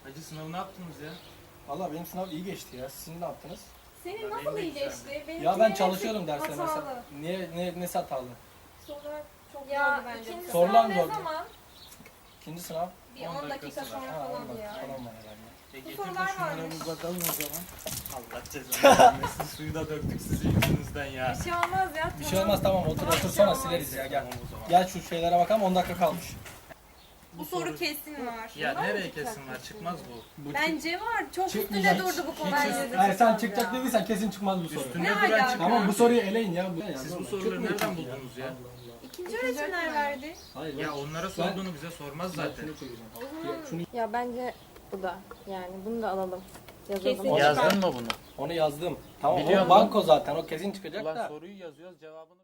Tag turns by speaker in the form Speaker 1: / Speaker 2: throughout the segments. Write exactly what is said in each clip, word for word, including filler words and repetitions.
Speaker 1: Hacı sınavı ne yaptınız ya?
Speaker 2: Valla benim sınav iyi geçti ya. Sizin ne yaptınız?
Speaker 3: Senin
Speaker 1: Ya
Speaker 3: nasıl
Speaker 1: benim de
Speaker 3: iyi
Speaker 1: güzeldi.
Speaker 3: geçti? Benimki
Speaker 2: Ya ben
Speaker 3: hepsi
Speaker 2: çalışıyordum derste
Speaker 3: hatalı.
Speaker 2: mesela. Niye ne nesi hatalı?
Speaker 3: Sorular çok
Speaker 4: Ya
Speaker 3: zordu bence.
Speaker 4: ikinci
Speaker 2: Sorular
Speaker 4: sınav
Speaker 2: mı
Speaker 4: ne
Speaker 2: zordu?
Speaker 4: zaman?
Speaker 2: İkinci sınav.
Speaker 3: Bir
Speaker 1: on
Speaker 3: on dakika
Speaker 1: dakikası var.
Speaker 3: sonra
Speaker 2: Ha,
Speaker 3: falan
Speaker 2: on dakika
Speaker 3: ya.
Speaker 2: falan var herhalde.
Speaker 1: E
Speaker 3: Bu
Speaker 1: getir de
Speaker 3: sorular
Speaker 1: şunlara
Speaker 3: varmış.
Speaker 1: bir bakalım o zaman. Allah cezanı vermesin. Suyu da döktük sizin yüzünüzden ya.
Speaker 4: Bir şey olmaz ya.
Speaker 2: Bir şey olmaz tamam otur otur sonra sileriz ya gel.
Speaker 1: Tamam o zaman.
Speaker 2: Gel şu şeylere bakalım on dakika kalmış.
Speaker 3: Bu soru kesin var.
Speaker 1: Ya
Speaker 3: Var mı
Speaker 1: nereye
Speaker 3: çıkacak
Speaker 1: kesin var?
Speaker 3: kesin?
Speaker 1: Çıkmaz bu.
Speaker 2: Bu
Speaker 3: Bence var. Çok üstünde
Speaker 2: çıkmayacak.
Speaker 3: durdu bu konu.
Speaker 2: Hiç-
Speaker 3: Bence de
Speaker 2: Hayır sen
Speaker 3: çıkmaz
Speaker 2: çıkacak
Speaker 3: ya.
Speaker 2: dediysen kesin çıkmaz bu soru.
Speaker 1: Üstünde
Speaker 3: Ne
Speaker 1: duran
Speaker 3: alaka?
Speaker 1: çıkmaz.
Speaker 2: Tamam bu soruyu eleyin ya. Bu,
Speaker 1: Siz bu
Speaker 2: Çıkmıyor
Speaker 1: soruları
Speaker 2: çünkü
Speaker 1: nereden
Speaker 2: ya.
Speaker 1: buldunuz ya?
Speaker 3: İkinci öğretmenler verdi.
Speaker 2: Hayır.
Speaker 1: Ya onlara sorduğunu bize sormaz zaten.
Speaker 2: Şunu,
Speaker 4: Ya bence bu da yani bunu da alalım. Yazalım.
Speaker 3: Kesin.
Speaker 1: Yazdın mı bunu?
Speaker 2: onu yazdım. Tamam
Speaker 1: Biliyorum.
Speaker 2: o banko zaten o kesin çıkacak
Speaker 1: Ulan
Speaker 2: da.
Speaker 1: soruyu yazıyoruz cevabını.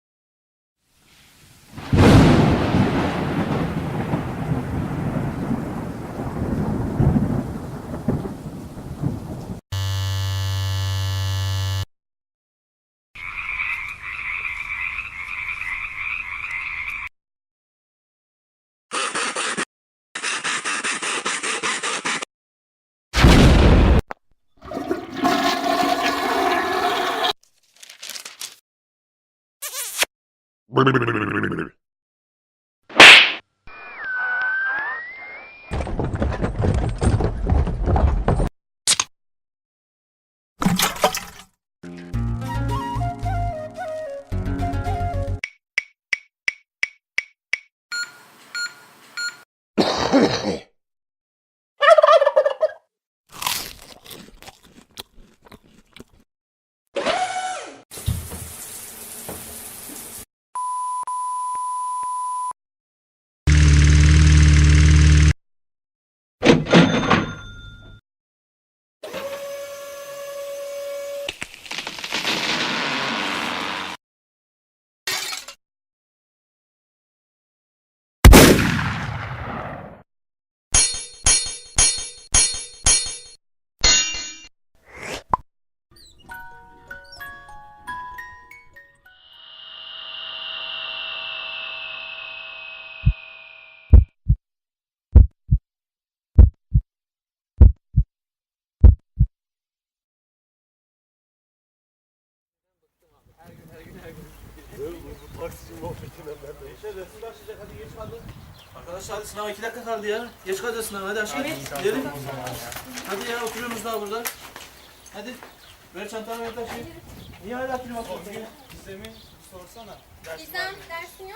Speaker 5: Arkadaşlar hadi sınava iki dakika kaldı ya. Geç kalacağız sınava hadi aşkım. Gidelim. Hadi ya oturuyorsunuz daha burada. Hadi. Ver çantanı ver taşıyın. Niye hala film atıyorsun?
Speaker 1: Gizem'i sorsana.
Speaker 3: Gizem dersin yok.